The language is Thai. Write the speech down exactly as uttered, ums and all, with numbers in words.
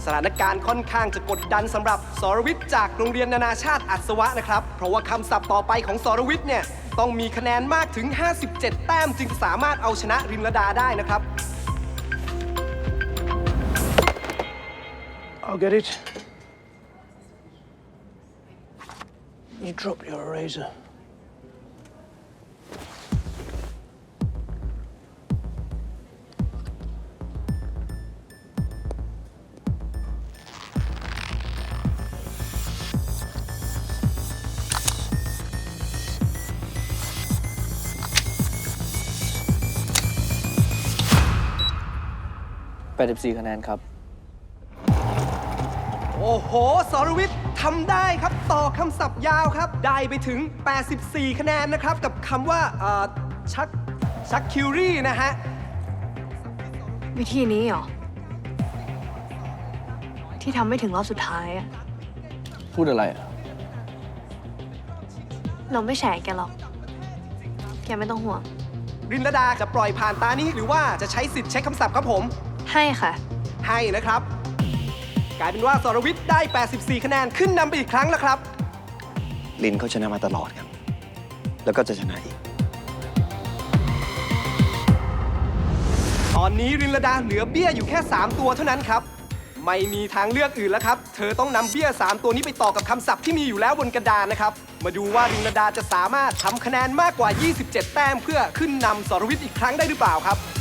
สถานการณ์ค่อนข้างจะกดดันสำหรับสรวิทย์จากโรงเรียนนานาชาติอัศวะนะครับเพราะว่าคำศัพท์ต่อไปของสรวิทย์เนี่ยต้องมีคะแนนมากถึงห้าสิบเจ็ดแต้มจึงสามารถเอาชนะรินลดาได้นะครับ I'll get it. You drop your eraser. eighty-four คะแนนครับโอ้โหสรวิทย์ทำได้ครับต่อคำศัพท์ยาวครับได้ไปถึงแปดสิบสี่คะแนนนะครับกับคำว่าเอ่อชักชักคิวรี่นะฮะวิธีนี้เหรอ ที่ทำไม่ถึงรอบสุดท้ายอะพูดอะไรอะเราไม่แฉแกหรอก แกไม่ต้องห่วงรินลดาจะปล่อยผ่านตานี้หรือว่าจะใช้สิทธิ์ใช้คำศัพท์ครับผมให้ค่ะให้นะครับ กลายเป็นว่าสรวิทย์ได้ แปดสิบสี่ คะแนนขึ้นนำไปอีกครั้งแล้วครับลินเขาชนะมาตลอดครับ แล้วก็จะชนะอีกตอนนี้รินลดาเหลือเบี้ยอยู่แค่ สาม ตัวเท่านั้นครับ ไม่มีทางเลือกอื่นแล้วครับ เธอต้องนำเบี้ย สาม ตัวนี้ไปต่อกับคำศัพท์ที่มีอยู่แล้วบนกระดานนะครับ มาดูว่ารินลดาจะสามารถทำคะแนนมากกว่า ยี่สิบเจ็ด แต้มเพื่อขึ้นนำสรวิทย์อีกครั้งได้หรือเปล่าครับ